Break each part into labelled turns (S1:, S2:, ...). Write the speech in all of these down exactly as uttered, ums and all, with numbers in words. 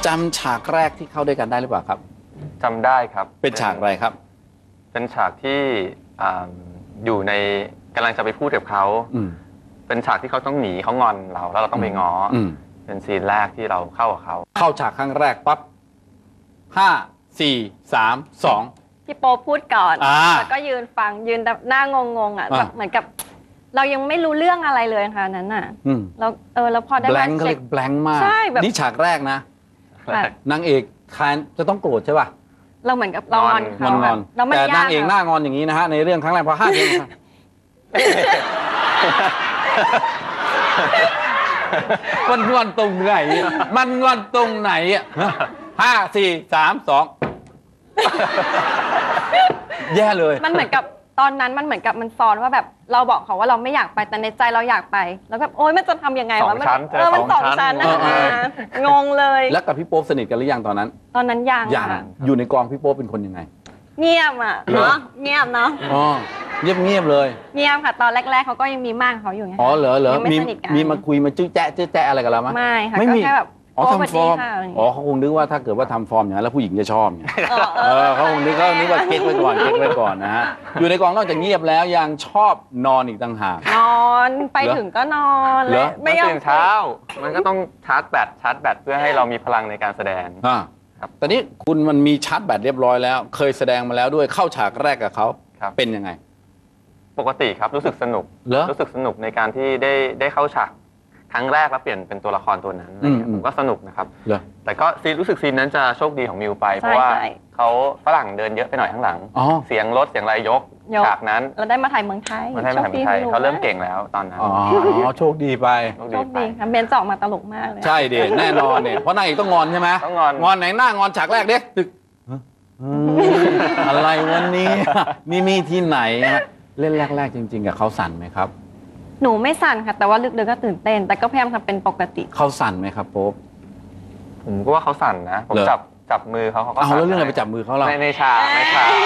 S1: จำฉากแรกที่เข้าด้วยกันได้หรือเปล่าครับ
S2: จำได้ครับ
S1: เป็นฉากอะไรครับ
S2: เป็นฉากที่อยู่ในกำลังจะไปพูดกับเขาเป็นฉากที่เขาต้องหนีเขางอนเราแล้วเราต้องไปง้อเป็นซีนแรกที่เราเข้ากับเขา
S1: เข้าฉากครั้งแรกปั๊บห้าสี่สามสอง
S3: พี่โป๊พูดก่อนแล้วก็ยืนฟังยืนหน้างงๆอ่ะแบบเหมือนกับเรายังไม่รู้เรื่องอะไรเลยค่ะนั้นน่ะแล้วเออแล้วพอได้
S1: มาเช็คแบงค์มากนี่ฉากแรกนะนางเอกคานจะต้องโกรธใช่ป่ะ
S3: เราเหมือนกับเรางอนเขา
S1: แต่นางเอกหน้างอนอย่างนี้นะฮะในเรื่องครั้งแรกพอห้าเดือนมันงอนตรงไหนมันงอนตรงไหนอ่ะห้าสี่สามสองแย่เลย
S3: มันเหมือนกับตอนนั้นมันเหมือนกับมันซ้อนว่าแบบเราบอกเขาว่าเราไม่อยากไปแต่ในใจเราอยากไปแล้วแบบโอ๊ยมันจะทำยังไงวะมันเออมันสองชั้นนะงงเลย
S1: แล้วกับพี่โป๊สนิทกันหรือยังตอนนั้น
S3: ตอนนั้นยัง
S1: ยังอยู่ในกองพี่โป๊เป็นคนยังไง
S3: เงียบอ่ะเนาะเงียบเนาะ
S1: อ๋อเงียบเงียบเลย
S3: เงียบค่ะตอนแรกๆเขาก็ยังมีมากเขาอยู่ไง
S1: อ๋อเหรอเหรอมีมีมาคุยมาจื้อแจ๊ะจื้อแจ๊ะอะไรกันแล้วมั้ย
S3: ไม่ค่ะก็แค่แบบ
S1: อ๋อทำฟอร์มอ๋อเขาคงนึกว่าถ้าเกิดว่าทำฟอร์มอย่างนั้นแล้วผู้หญิงจะชอบเนี่ยเออเขาคงนึกเขานึกว่าเก๊กไว้ก่อนเก๊กไว้ก่อนนะฮะอยู่ในกองนอกจากเงียบแล้วยังชอบนอนอีกต่างหาก
S3: นอนไปถึงก็นอนเลย
S2: ไม่ตื่นเช้ามันก็ต้องชาร์จแบตชาร์จแบตเพื่อให้เรามีพลังในการแสดง
S1: อ่าครับตอนนี้คุณมันมีชาร์จแบตเรียบร้อยแล้วเคยแสดงมาแล้วด้วยเข้าฉากแรกกับเขาเป็นยังไง
S2: ปกติครับรู้สึกสนุกรู้สึกสนุกในการที่ได้ได้เข้าฉากครั้งแรกแล้วเปลี่ยนเป็นตัวละครตัวนั้นผมก็สนุกนะครับแต่ก็ซีรู้สึกซีนนั้นจะโชคดีของมิวไปเพราะว่าเขาฝรั่งเดินเยอะไปหน่อยข้างหลังเสียงรถเสียงอะไรยกฉากนั้น
S3: เราได้มาถ่ายเมืองไทย
S2: มาถ่ายเมืองไทยเขาเริ่มเก่งแล้วตอนนั้น
S1: อ๋อโชคดีไป
S3: โชคดีค่ะเบนจอกมาตลกมากเลย
S1: ใช่เด็แน่นอนเนี่ยเพราะนางเอกต้องงอนใช่ไหม
S2: ต้องงอน
S1: งอนไหนหน้างอนฉากแรกเด็กตึกอะไรวันนี้นี่มีที่ไหนเล่นแรกๆจริงๆกับเขาสั่นไหมครับ
S3: หนูไม่สั่นค่ะแต่ว่าลึกๆก็ตื่นเต้นแต่ก็พยายามทำเป็นปกติ
S1: เขาสั่นไหมครับโป๊ป
S2: ผมก็ว่าเขาสั่นนะผมจับจับมือเขาเขาก็สั่น
S1: เอาแล้วเรื่องอะไรไปจับมือเขาเรา
S2: ในในฉากในฉาก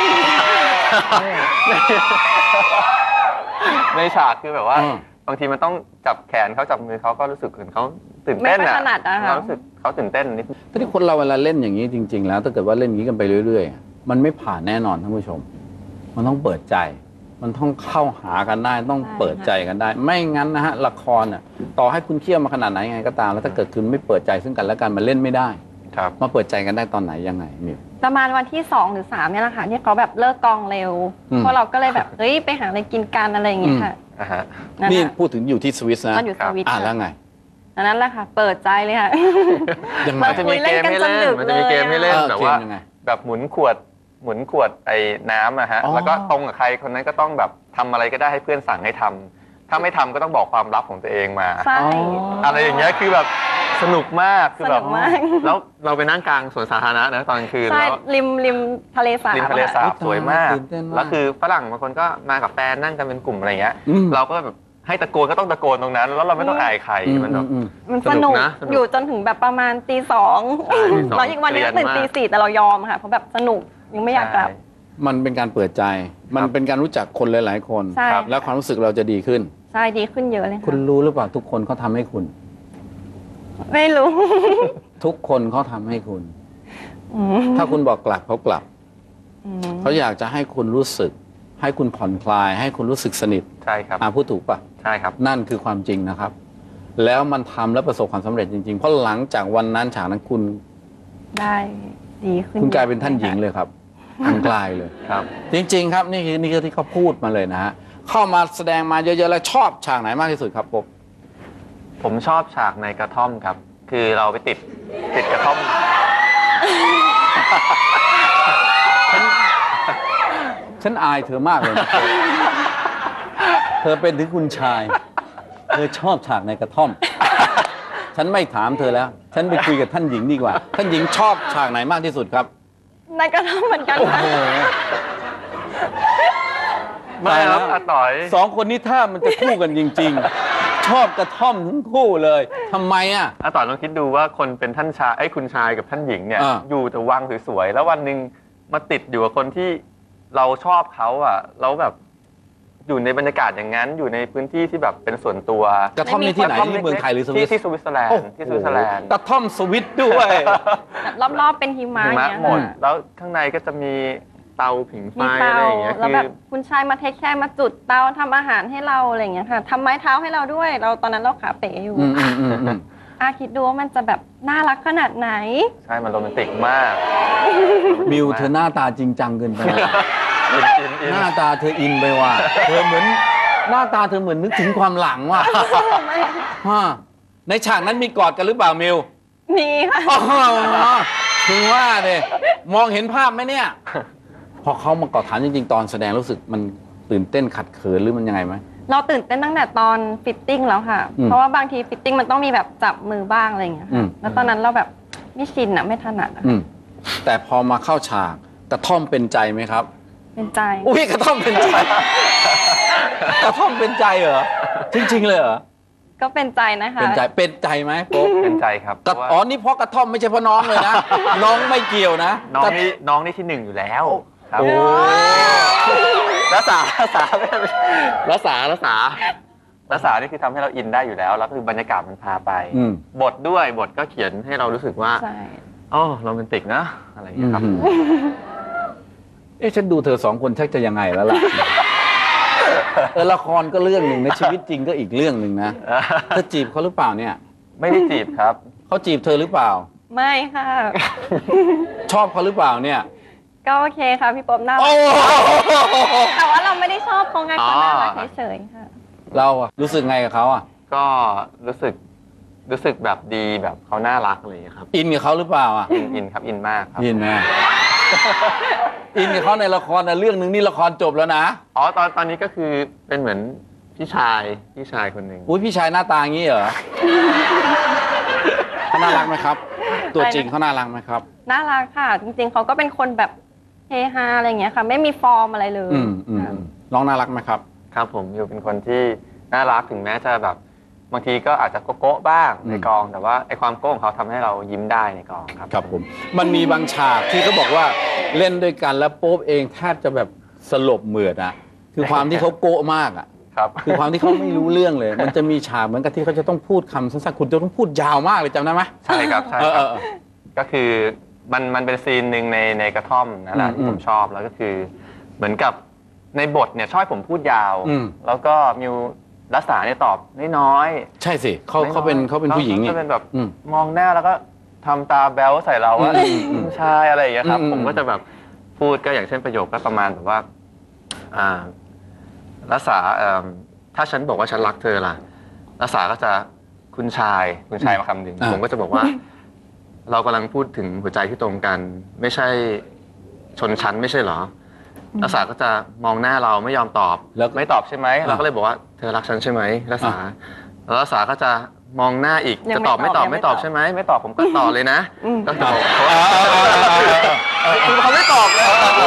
S2: ในฉากคือแบบว่าบางทีมันต้องจับแขนเขาจับมือเขาก็รู้สึกเหมือนเขาตื่นเต้นอ่ะเรารู้สึกเขาตื่นเต้นนิด
S1: ถ้าที่คนเราเวลาเล่นอย่างนี้จริงๆแล้วถ้าเกิดว่าเล่นอย่างนี้กันไปเรื่อยๆมันไม่ผ่านแน่นอนท่านผู้ชมมันต้องเปิดใจมันต้องเข้าหากันได้ต้องเปิดใจกันได้ไม่งั้นนะฮะละครอ่ะต่อให้คุณเคี่ยวมาขนาดไหนไงก็ตามแล้วถ้าเกิดคุณไม่เปิดใจซึ่งกันและกันมันเล่นไม่ได้
S2: ครับ
S1: มาเปิดใจกันได้ตอนไหนยังไงมิว
S3: ประมาณวันที่สองหรือสามเนี่ยแหละค่ะที่เขาแบบเลิกกองเร็วเพราะเราก็เลยแบบเฮ้ยไปหาอะไรกินกันอะไรอย่างเงี้ยค่ะ
S1: นี่พูดถึงอยู่ที่สวิสนะ
S3: อยู่สวิส
S1: อ่ะแล้วไง
S3: นั้นแหละค่ะเปิดใจเลยค่ะ
S2: มันจะมีเกมให้เล่นมันจะมีเกมให้เล่นแบบว่าแบบหมุนขวดหมุนขวดไอ้น้ำอะฮะแล้วก็ตรงกับใครคนนั้นก็ต้องแบบทำอะไรก็ได้ให้เพื่อนสั่งให้ทำถ้าไม่ทำก็ต้องบอกความลับของตัวเองมาอะไรอย่างเงี้ยคือแบบสนุกมากคือแบบแล้วเราไปนั่งกลางสวนสาธารณะนะตอนกลางคืนแล้ว
S3: ริมริมทะเลสาบ
S2: ริมทะเลสาบสวยมากแล้วคือฝรั่งบางคนก็มากับแฟนนั่งกันเป็นกลุ่มอะไรเงี้ยเราก็แบบให้ตะโกนก็ต้องตะโกนตรงนั้นแล้วเราไม่ต้องอายใครมันแบบ
S3: มันสนุกอยู่จนถึงแบบประมาณตีสองแล้วอีกวันนึงตื่นตีสี่แต่เรายอมค่ะเพราะแบบสนุกยังไม่อยากกลับ
S1: มันเป็นการเปิดใจมันเป็นการรู้จักคนหลายๆคนแล้วความรู้สึกเราจะดีขึ้น
S3: ใช่ดีขึ้นเยอะเลย
S1: คุณรู้หรือเปล่าทุกคนเขาทำให้คุณ
S3: ไม่รู้
S1: ทุกคนเขาทำให้คุณถ้าคุณบอกกลับเขากลับเขาอยากจะให้คุณรู้สึกให้คุณผ่อนคลายให้คุณรู้สึกสนิท
S2: ใช่ครับ
S1: อ่าพูดถูกป่ะ
S2: ใช่ครับ
S1: นั่นคือความจริงนะครับแล้วมันทำแล้วประสบความสำเร็จจริงๆเพราะหลังจากวันนั้นฉากนั้นคุณ
S3: ได้ดีขึ้น
S1: คุณกลายเป็นท่านหญิงเลยครับคุณกลายเลย
S2: ครับ
S1: จริงๆครับนี่คือนี่คือที่เขาพูดมาเลยนะฮะเข้ามาแสดงมาเยอะๆแล้วชอบฉากไหนมากที่สุดครับผม
S2: ผมชอบฉากในกระท่อมครับคือเราไปติดติดกระท่อม
S1: ฉันอายเธอมากเลยเธอเป็นถึงคุณชายเธอชอบฉากในกระท่อมฉันไม่ถามเธอแล้วฉันไปคุยกับท่านหญิงดีกว่าท่านหญิงชอบฉากไหนมากที่สุดครับ
S3: ในกระท่อมเหมือนกันนะ
S2: ไม่ครับอาต่อย
S1: สองคนนี้ถ้ามันจะคู่กันจริงๆชอบกระท่อมทั้งคู่เลยทำไมอ่ะ
S2: อาต่อยลองคิดดูว่าคนเป็นท่านชายไอ้คุณชายกับท่านหญิงเนี่ยอยู่แต่วังสวยๆแล้ววันหนึ่งมาติดอยู่กับคนที่เราชอบเขาอ่ะแล้วแบบอยู่ในบรรยากาศอย่างนั้นอยู่ในพื้นที่ที่แบบเป็นส่วนตัว
S1: กระท่อมนี่ที่ไหนที่เมืองไทยหรือสวิ
S2: ที่
S1: ต
S2: ที่สวิตเซอร์แลน
S1: โอ้
S2: ด์ที่สวิตเซอร์แลนด์
S1: กระท่อมสวิตด้วย
S3: แบบรอบๆเป็นหิมะ
S2: หิ
S3: อย่าง
S2: มะ
S3: เงี้ย
S2: หมด
S3: ค่ะ
S2: แล้วข้างในก็จะมีเตาผิงไฟ
S3: มี
S2: อะ
S3: เตา
S2: ไรอย่างเงี้ย
S3: แล้ว
S2: คื
S3: แบ
S2: อบ
S3: คุณชายมาเทคแค่มาจุดเตาทำอาหารให้เราอะไรอย่างเงี้ยค่ะทำไม้เท้าให้เราด้วย เราตอนนั้นเราขาเป๋อยู่
S1: อืมอืมอืมอืม
S3: อาคิดดูว่ามันจะแบบน่ารักขนาดไหน
S2: ใช่มันโรแมนติกมาก
S1: มิวเธอหน้าตาจริงจังเกินไป
S2: อินอินอิน
S1: หน้าตาเธออินไปว่ะเธอเหมือนหน้าตาเธอเหมือนนึกถึงความหลังว่ะฮะในฉากนั้นมีกอดกันหรือเปล่ามิว
S3: มีค่ะ
S1: อ๋อถึงว่าเนี่ยมองเห็นภาพไหมเนี่ย พอเขามากอดฐานจริงๆ ตอนแสดงรู้สึกมันตื่นเต้นขัดเขินหรือมันยังไงไหม
S3: เราตื่นเต้นตั้งแต่ตอนฟิตติ้งแล้วค่ะ
S1: อืม
S3: เพราะว่าบางทีฟิตติ้งมันต้องมีแบบจับมือบ้างอะไรอย่างเงี้ย
S1: อื
S3: ค่ะ
S1: ม
S3: แล้วตอนนั้นเราแบบไม่ชินอะไม่ถนัดอะ
S1: อืมแต่พอมาเข้าฉากกระท่อมเป็นใจไหมครับ
S3: เป็นใจ
S1: อุ้ยกระท่อมเป็นใจ กระท่อมเป็นใจเหรอจริง ๆ เลยเหรอ
S3: ก็เป็นใจนะคะ
S1: เป็นใจเป็นใจไหมโป๊ะ
S2: เป็นใจครับ
S1: กระ
S2: เพราะว่า
S1: อ๋อนี่เพราะกระท่อมไม่ใช่เพราะน้องเลยนะ น้องไม่เกี่ยวนะ
S2: น้อง
S1: กระ
S2: นี่น้องนี่ที่หนึ่งอยู่แล้วครับ
S1: โอ้
S2: รักษารักษารักษารักษารักษานี่คือทำให้เราอินได้อยู่แล้ว แล้วคือบรรยากาศมันพาไป
S1: อืม
S2: บทด้วยบทก็เขียนให้เรารู้สึกว่า
S3: ใช่
S2: อ๋อโรแมนติกนะอะไรอย่างเงี้ยครับ
S1: อืมเอ๊ะฉันดูเธอสองคนชักจะยังไงแล้วล่ะ เออละครก็เรื่องหนึ่งในะชีวิตจริงก็อีกเรื่องหนึ่งนะเธอจีบเขาหรือเปล่าเนี่ย
S2: ไม่ได้จีบครับ
S1: เขาจีบเธอหรือเปล่า
S3: ไม่ค่ะ
S1: ชอบเขาหรือเปล่าเนี่ย
S3: ก็โอเคค่ะพี่ป๊อบน่ารั
S1: โอ้
S3: ก
S1: โห
S3: แต่ว่าเราไม่ได้ชอบเขาไงเขาน่ารัก
S2: อ๋อ
S3: เฉยๆค่ะ
S1: เราอะรู้สึกไงกับเขาอะ
S2: ก็รู้สึกรู้สึกแบบดีแบบเขาน่ารักอะไรอย่างเงี้ยครับ
S1: อินกับเขาหรือเปล่าอะ
S2: อินอินครับอินมากครับ
S1: อินไหมอินกับเขาในละครนะเรื่องหนึ่งนี่ละครจบแล้วนะ
S2: อ๋อตอนตอนนี้ก็คือเป็นเหมือนพี่ชายพี่ชายคนหนึ่ง
S1: อุ้ยพี่ชายหน้าตาอย่างนี้เหรอเขาน่ารักไหมครับ ตัวจริงเขาน่ารักไหมครับ
S3: น่ารักค่ะ จริงๆเขาก็เป็นคนแบบเฮฮาอะไรอย่างเงี้ยค่ะ ไม่มีฟอร์มอะไรเลย
S1: อืมอืม
S3: ค่ะ
S1: น้องน่ารักไหมครับ
S2: ครับผมอยู่เป็นคนที่น่ารักถึงแม้จะแบบบางทีก็อาจจะโก๊ะๆบ้าง
S1: อืม
S2: ในกอง แต่ว่าไอความโก๊ะของเขาทำให้เรายิ้มได้ในกองครับ
S1: ครับผม มันมีบางฉากที่เขาบอกว่าเล่นด้วยกันแล้วโป๊ปเองแทบจะแบบสลบเหมือดอะคือความที่เขาโก๊ะมากอะ
S2: ครับ
S1: คือความที่เขาไม่รู้เรื่องเลย มันจะมีฉากเหมือนกับที่เขาจะต้องพูดคำสั้นๆคุณจะต้องพูดยาวมากเลยจำได้ไหม
S2: ใช่ครับใช่
S1: เออ
S2: ค
S1: เอ
S2: รับ
S1: อเออ
S2: ก็คือมันมันเป็นซีนหนึ่งในในกระท่อมนั่นแหละ
S1: อืม
S2: ที่ผมชอบแล้วก็คือเหมือนกับในบทเนี่ยชอบให้ผมพูดยาว
S1: อืม
S2: แล้วก็มิวรักษาเนี่ยตอบน้อย
S1: ใช่สิเขา
S2: ๆ
S1: เขาเป็นเขาเป็นผู้หญิง
S2: เขา
S1: นี่
S2: จะเป็นแบบ
S1: อืม
S2: มองหน้าแล้วก็ทำตาแบ๊วใส่เราว่า
S1: อืมอืม
S2: ผู้ชายอะไรอย่างเงี้ยครับ
S1: อืม
S2: ผมก็จะแบบพูดก็อย่างเช่นประโยคก็ประมาณแบบว่าอ่ารักษาเอิ่มถ้าฉันบอกว่าฉันรักเธอล่ะรักษาก็จะคุณชายคุณชายมาคำหนึ่งผมก็จะบอกว่า เรากำลังพูดถึงหัวใจที่ตรงกัน ไม่ใช่ชนชั้นไม่ใช่เหรอรักษาก็จะมองหน้าเราไม่ยอมตอบ
S1: แล้ว
S2: ไม่ตอบใช่ไหมเราก็เลยบอกว่าเธอรักฉันใช่ไหมรักษาแล้วรักษาก็จะมองหน้าอีก
S3: ยัง
S2: จะตอบ
S3: ไม่
S2: ไม่
S3: ต
S2: ต
S3: อ
S2: อ
S3: บบ ยังไม่
S2: ไม่ตอบ
S3: ตอบ
S2: ใช่ไหมไม่ตอบผมก็ต่อเลยนะ
S3: อืม
S2: ก็คือบอกเขา
S1: เออเออเออเออ
S2: คือเขาไม่ตอบเลย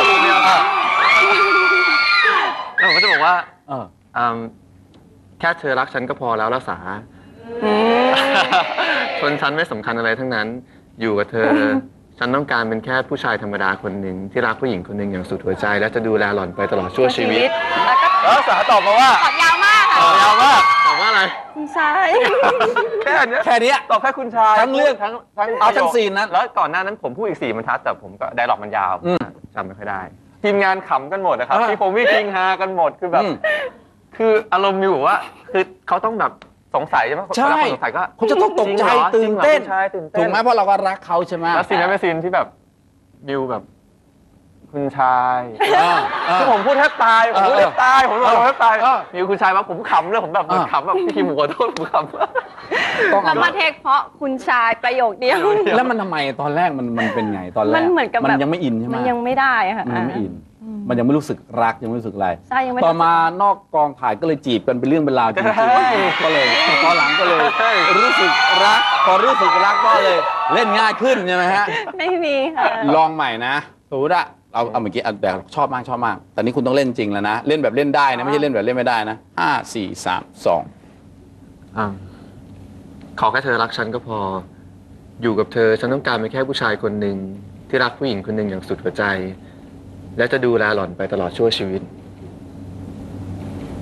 S2: แล้วผมก็จะบอกว่า
S1: เออ
S2: อืมแค่เธอรักฉันก็พอแล้วรักษา
S3: อืม
S2: ชนชั้นไม่สำคัญอะไรทั้งนั้น อยู่กับเธอ ฉันต้องการเป็นแค่ผู้ชายธรรมดาคนหนึ่งที่รักผู้หญิงคนหนึ่งอย่างสุดหัวใจ และจะดูแลหล่อนไปตลอดชั่วชีวิต
S3: แล้วก็
S2: แล้วรักษาตอบมาว่า
S3: ตอบยาวมากค่ะ
S2: ยาวมากตอบว่าอะไร
S3: คุณชาย
S2: แค่เนี้ย
S1: แค่เนี้ย
S2: ตอบแค่คุณชาย
S1: ทั้งเรื่อง
S2: ทั้งทั้ง
S1: เอาทั้ง
S2: ประโยค
S1: ซีนนั้น
S2: แล้วก่อนหน้านั้นผมพูดอีกสี่บรรทัดแต่ผมก็ไดร็อกมันยาว
S1: อืม
S2: จำไม่ค่อยได้ ทีมงานขำกันหมดนะครับ
S1: อ่า
S2: พี่ผมวิ่งคิงฮากันหมดคือแบบ
S1: อืม
S2: คืออารมณ์มีอยู่ว่า คือเขาต้องแบบสงสัยใช่ไหม
S1: ใช่
S2: เวลาคนสงสัยก็
S1: เขาจะต้องตกใจ
S2: จริงหรอ
S1: ตื่นเต้น
S2: จริงหรอคุณชายตื่นเต้น
S1: ถูกไหมเพราะเราก็รักเขาใช่ไหม
S2: แล้วซีนนั้นเป็นซีนที่แบบมิวแบบ คุณชาย
S1: อ่าอ่า
S2: คือผมพูดแทบตายผมพูดแทบตายผมพูดแทบตาย
S1: เออ
S2: มิวคุณชายว่าผมขำเลยผมแบบเหมือน
S1: อ่า
S2: ขำแบบพี่คิมผมขอโทษผมขำ
S1: ต้อง
S3: เรา
S1: เอา
S3: มาเทคเพราะคุณชายประโยคเดียว
S1: แล้วมันทำไมตอนแรกมันมันเป็นไงตอนแรก
S3: มันเหมือนกับ
S1: มัน
S3: แบบ
S1: ยังไม่อินใช่ไหม
S3: มันยังไม่ได้ค่ะ
S1: มันยังไม่อิน
S3: อืม
S1: มันยังไม่รู้สึกรักยังไม่รู้สึกอะไร
S3: ใช่ยังไม่
S1: ต่อมานอกกองถ่ายก็เลยจีบกันเป็นเรื่องเป็นราวจริง
S2: ใช่
S1: ๆก็เลยตอนหลังก็เลย
S2: ใช่
S1: รู้สึกรัก พอรู้สึกรักก็เลยเล่นง่ายขึ้นใช่ไหมฮะ
S3: ไม่มีค่ะ
S1: ลองใหม่นะสมมติอะเอาเอาเมื่อกี้เอาแต่ชอบมากชอบมาก แต่นี้คุณต้องเล่นจริงแล้วนะ เล่นแบบเล่นได้นะ ไม่ใช่เล่นแบบเล่นไม่ได้นะห้าสี่สามสอง
S2: อ่าขอแค่เธอรักฉันก็พอ อยู่กับเธอฉันต้องการเป็นแค่ผู้ชายคนหนึ่งที่รักผู้หญิงคนหนึ่งอย่างสุดหัวใจ และจะดูแลหล่อนไปตลอดชั่วชีวิต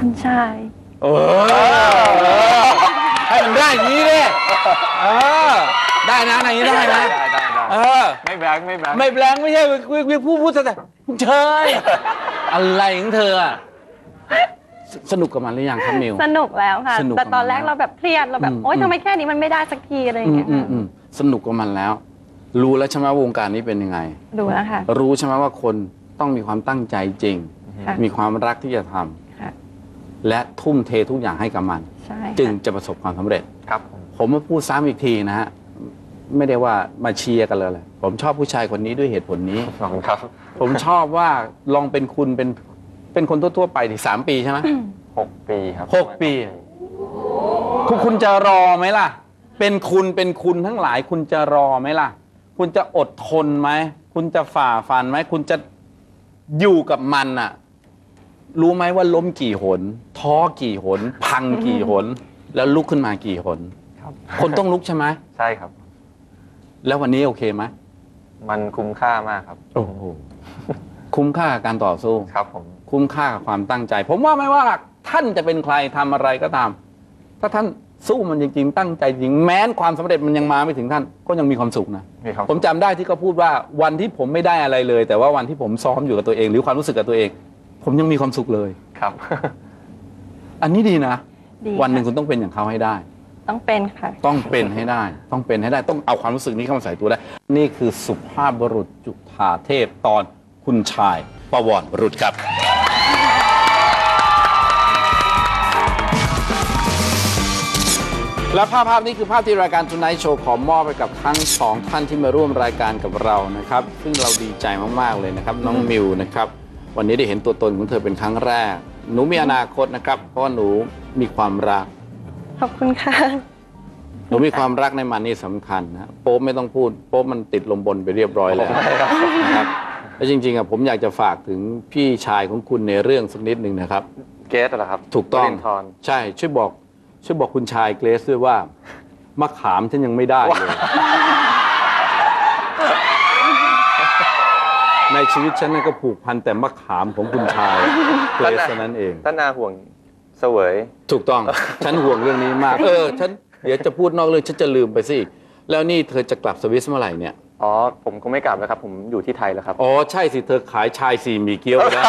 S3: คุณชาย
S1: เออให้มันได้อย่างนี้ดิเออได้นะอย่างนี้ได้นะ
S2: ได้ได้ได้
S1: เออ
S2: ไม่แบงค์ไม่แบงค์
S1: ไม่แบงค์ไม่ใช่พูดพูดแต่คุณเชยอะไรของเธออะสนุกกับมันหรือยังครับมิว
S3: สนุกแล้วค่ะ
S1: สนุก
S3: แต่ตอนแรก
S1: กับมัน
S3: เราแบบเครียดเราแบบ
S1: อืม
S3: โอ๊ย
S1: อืม
S3: ทำไมแค่นี้มันไม่ได้สักทีอะไรอย่าง
S1: อืม
S3: เงี้ย
S1: อืมอืมสนุกกับมันแล้ว รู้แล้วใช่ไหมว่าวงการนี้เป็นยังไง
S3: ดูแล้วค่ะ
S1: รู้ใช่ไหมว่าคนต้องมีความตั้งใจจริง
S3: ค่ะ
S1: มีความรักที่จะทำ
S3: ค่ะ
S1: และทุ่มเททุกอย่างให้กับมัน
S3: ใช่
S1: จึง
S3: ค่ะ
S1: จะประสบความสำเร็จ
S2: ครับผม
S1: ผมมาพูดซ้ำอีกทีนะฮะ ไม่ได้ว่ามาเชียร์กันเลยเลยผมชอบผู้ชายคนนี้ด้วยเหตุผลนี้
S2: ขอบคุณครับ
S1: ผมชอบว่าลองเป็นคุณเป็นเป็นคนทั่วๆไปที่สามปีใช่ไหม
S2: หกปีครับ
S1: หกปี คุณคุณจะรอไหมล่ะ เป็นคุณเป็นคุณทั้งหลาย คุณจะรอไหมล่ะ คุณจะอดทนไหม คุณจะฝ่าฟันไหม คุณจะอยู่กับมันน่ะ รู้ไหมว่าล้มกี่หน ท้อกี่หน พังกี่หน แล้วลุกขึ้นมากี่หน
S2: ครับ
S1: คนต้องลุกใช่ไหม
S2: ใช่ครับ
S1: แล้ววันนี้โอเคไหม
S2: มันคุ้มค่ามากครับ
S1: โอ้โห คุ้มค่ากับการต่อสู้
S2: ครับผม
S1: คุ้มค่ากับความตั้งใจ ผมว่าไม่ว่าท่านจะเป็นใครทำอะไรก็ตาม ถ้าท่านสู้มันจริงๆ ตั้งใจจริงแม้นความสำเร็จมันยังมาไม่ถึงท่าน ก็ยังมีความสุขนะ
S2: มีความ
S1: ผมจำได้ที่เขาพูดว่าวันที่ผมไม่ได้อะไรเลย แต่ว่าวันที่ผมซ้อมอยู่กับตัวเอง หรือความรู้สึกกับตัวเอง ผมยังมีความสุขเลย
S2: ครับ
S1: อันนี้ดีนะ
S3: ดี
S1: วันหนึ่ง
S3: ค่ะ
S1: คุณต้องเป็นอย่างเขาให้ได้
S3: ต้องเป็นค่ะ
S1: ต้องเป็นให้ได้ ต้องเป็นให้ได้ ต้องเอาความรู้สึกนี้เข้ามาใส่ตัวได้ นี่คือสุภาพบุรุษจุฑาเทพตอนคุณชายประวรบุรุษครับ และภาพภาพนี้คือภาพที่รายการ Tonight Show ขอมอบไปกับทั้งสองท่านที่มาร่วมรายการกับเรานะครับ ซึ่งเราดีใจมากๆเลยนะครับ น้องมิวนะครับ วันนี้ได้เห็นตัวตนของเธอเป็นครั้งแรก หนูมีอนาคตนะครับ เพราะว่าหนูมีความรัก
S3: ขอบคุณค่ะ
S1: หนูมีความรักในมันนี่สำคัญนะโป๊ปไม่ต้องพูดโป๊ปมันติดลมบนไปเรียบร้อยแล้วนะครับแล้วจริงๆอ่ะผมอยากจะฝากถึงพี่ชายของคุณในเรื่องสักนิดหนึ่งนะครับ
S2: เกสเหรอครับ
S1: ถูกต้อง
S2: วรินทร์
S1: ใช่ช่วยบอกช่วยบอกคุณชายเกรซด้วยว่ามะขามฉันยังไม่ได้เลย ในชีวิตฉันนั่นก็ผูกพันแต่มะขามของคุณชายเกรซเท่านั้นเอง
S2: ท่านนาห่วงเสวย
S1: ถูกต้อง ฉันห่วงเรื่องนี้มาก เออ ฉันเดี๋ยวจะพูดนอกเรื่องฉันจะลืมไปสิ แล้วนี่เธอจะกลับสวิสเมื่อไหร่เนี่ย
S2: อ๋อ ผมก็ไม่กลับแล้วครับ ผมอยู่ที่ไทยแล้วครับ
S1: อ๋อ ใช่สิ เธอขายชายสี่หมีเกี๊ยวไปได้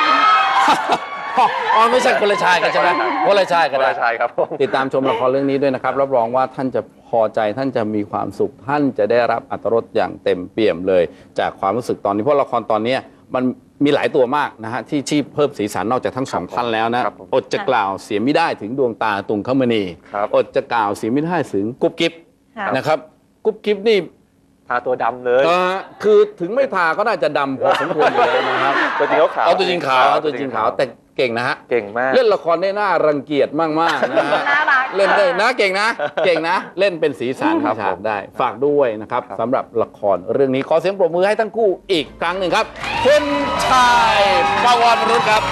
S1: อ๋อ ไม่ใช่คนละชายกันใช่ไหมคนละชายกัน
S2: คนละชายครับผม
S1: ติดตามชมละครเรื่องนี้ด้วยนะครับ รับรองว่าท่านจะพอใจ ท่านจะมีความสุข ท่านจะได้รับอรรถรสอย่างเต็มเปี่ยมเลย จากความรู้สึกตอนนี้ เพราะละครตอนนี้มันมีหลายตัวมากนะฮะที่ที่เพิ่มสีสันนอกจากทั้งสองท่านแล้วนะครับ
S2: ผม
S1: อดจะกล่าวเสียไม่ได้ถึงดวงตาตุงคมณี
S2: ครับ
S1: อดจะกล่าวเสียไม่ได้ถึงกุ๊บกิ๊บ
S3: ค่ะ
S1: นะครับกุ๊บกิ๊บนี่
S2: ทาตัวดำเลย
S1: เอ่อคือถึงไม่ทาก็น่าจะดำพอสมควรอยู่แล้วนะครับ
S2: ตัวจริงเขาขาว
S1: เอาตัวจริงขาวเอาตัวจริงขาวแต่เก่งนะฮะ
S2: เก่งมาก
S1: เล่นละครได้น่ารังเกียจมากๆนะฮะ
S3: น่ารัก
S1: เล่นได้นะเก่งนะ เก่งนะ เล่นเป็นสีสัน
S2: ครับ
S1: ฉาก
S2: ผม
S1: ได้ ฝากด้วยนะครับ
S2: ครับ
S1: สำหรับละครเรื่องนี้ขอเสียงปรบมือให้ทั้งคู่อีกครั้งหนึ่งครับคุณชายประวรบุรุษครับ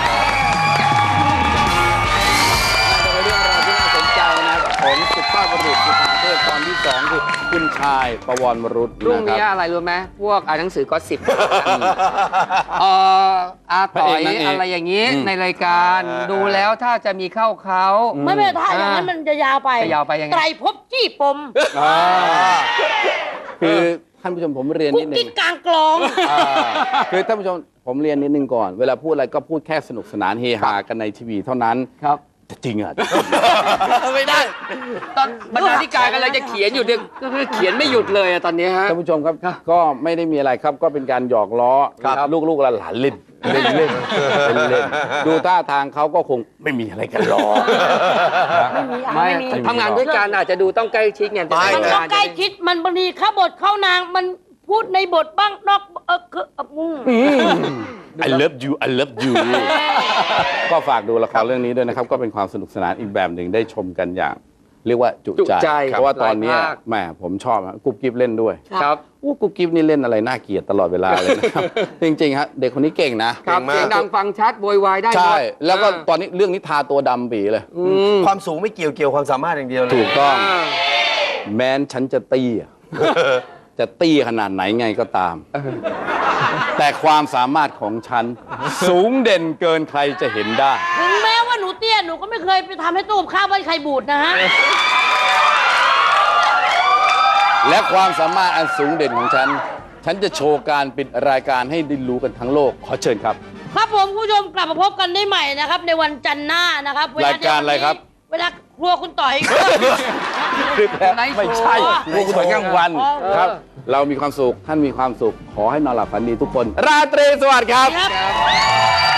S1: น่าจะเป็นเรื่องราวที่น่าสนใจนะของสุภาพบุรุษจุฑาเทพตอนที่สองคือคุณชายประวรบุรุษ
S4: รุ่ง
S1: นะ
S4: นี้
S1: ครับ
S4: อะไรรู้ไหมพวกอ่านหนังสือก็สิบเอ่ออาต่อย
S1: พระเอกนางเอก
S4: อะไรอย่างนี้
S1: อืม
S4: ในรายการ
S2: อ่า
S4: ดูแล้วถ้าจะมีเข้าเขา
S5: ไม่ไม่ถ้าอย่างนั้น
S4: อ่ามั
S5: มันจะยาวไป
S4: จะยาวไปยังไง
S5: ไตรภพจี้ปม
S1: อ่าคือท่านผู้ชมผมเรียน
S5: กุ๊
S1: นิ
S5: ก
S1: ดนึ
S5: กิ๊
S1: ง
S5: กกลางกลอง
S1: อ่าคือท่านผู้ชมผมเรียนนิดนึงก่อน เวลาพูดอะไรก็พูดแค่สนุกสนานเฮฮากันในทีวีเท่านั้น
S4: ครับ
S1: แต่จริงอ่ะ
S4: ไม่ได้ตอนบรรณาธิการกันเลยจะเขียนอยู่เนี่ยก็คือเขียนไม่หยุดเลยอะตอนนี้ฮะ
S1: ท่านผู้ชมครับก็ไม่ได้มีอะไรครับ ก็เป็นการหยอกล้อ
S4: ครับ
S1: ลูกๆหลานๆเล่นเล่นเล่นเล่นเล่นดูท่าทางเขาก็คงไม่มีอะไรกันหรอก
S4: ไม่
S3: ไม่มี
S4: ทำงานด้วยกันอาจจะดูต้องใกล้ชิดไง
S2: ไม่
S5: มันต้องใกล้ชิดมันบางทีเข้าบทเข้านางมันพูดในบทบ้างนอกเออคือเอออืม
S1: I love you I love you ก็ฝากดูละครเรื่องนี้ด้วยนะครับ ก็เป็นความสนุกสนานอีกแบบหนึ่งได้ชมกันอย่าง เรียกว่าจุ
S4: จุ
S1: ใจ
S4: ใจ
S1: เพราะว่าตอนนี้
S4: หลายภาค
S1: แหมผมชอบอะกุ๊บกิ๊บเล่นด้วย
S4: ครับ
S1: อู้กุ๊บกิ๊บนี่เล่นอะไรน่าเกลียดตลอดเวลาเลยนะครับ จริงๆฮะเด็กคนนี้เก่งนะ
S4: ครับ
S2: เก่งมาก
S4: เสียงดังฟังชัดโวยวายได้หมด
S1: ใช่ แล้วก็
S4: อ่า
S1: ตอนนี้เรื่องนี้ทาตัวดำปีเลย
S4: อืม
S6: ความสูงไม่เกี่ยวเกี่ยวความสามารถอย่างเดียวเลย
S1: ถูกต้อง
S4: อ่า
S1: แม้นฉันจะเตี้ย จะเตี้ยขนาดไหนไงก็ตาม แต่ความสามารถของฉัน สูงเด่นเกินใครจะเห็นได้
S5: ถึงแม้ว่าหนูเตี้ยหนูก็ไม่เคยไปทำให้ตู้กับข้าวบ้านใครบูดนะฮะ
S1: และความสามารถอันสูงเด่นของฉัน ฉันจะโชว์การปิดรายการให้ได้รู้กันทั้งโลก ขอเชิญครับ
S5: ครับผมผู้ชมกลับมาพบกันได้ใหม่นะครับ ในวันจันทร์หน้านะครับเวล
S1: รายการอะไรครับ
S5: เวลาครัวคุณต่อย
S1: ไม่ใช่พวกคุณสวยกลางวันครับ เรามีความสุข ท่านมีความสุข ขอให้นอนหลับฝันดีทุกคน ราตรีสวัสดิ์ครับ
S5: ครับ